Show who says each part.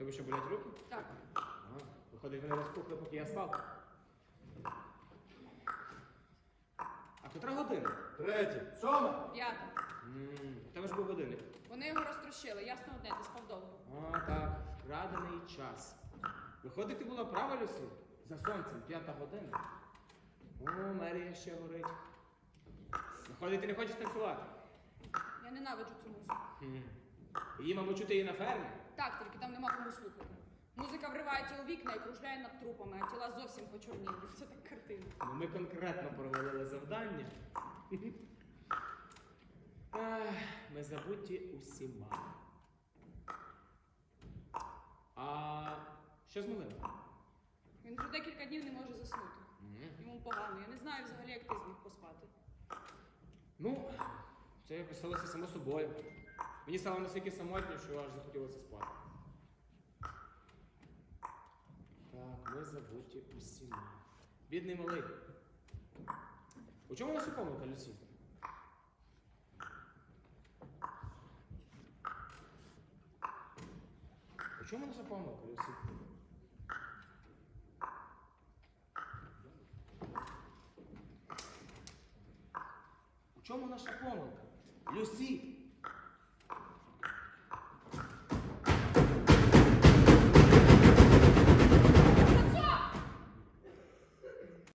Speaker 1: тебе що, болять руки?
Speaker 2: Так.
Speaker 1: Виходить, вони розпухли, поки я спав. А котра година?
Speaker 3: 3, 7.
Speaker 2: 5.
Speaker 1: У тебе ж був годинник.
Speaker 2: Вони його розтрощили. Ясно одне, ти спав довго.
Speaker 1: О, так, вкрадений час. Виходить, ти була права, Люсі? За сонцем, 5 година. О, мерія ще горить. Виходить, ти не хочеш танцювати?
Speaker 2: Я ненавиджу цю музику.
Speaker 1: Її, мабуть, чути і на фермі.
Speaker 2: Так, тільки там нема кому слухати. Музика вривається у вікна і кружляє над трупами, а тіла зовсім почорніли. Це так картина.
Speaker 1: Ну, ми конкретно провалили завдання. Ах, ми забуті усіма. А що з малим?
Speaker 2: Він вже декілька днів не може заснути. Йому погано. Я не знаю взагалі, як ти зміг поспати.
Speaker 1: Ну, це якось сталося само собою. Мені стало настільки самотньо, що аж захотілося спати. Так, ми забуті усіма. Бідний малий. У чому наша помилка, Люсі? У чому наша помилка, Люсі? У чому наша помилка? Люсі!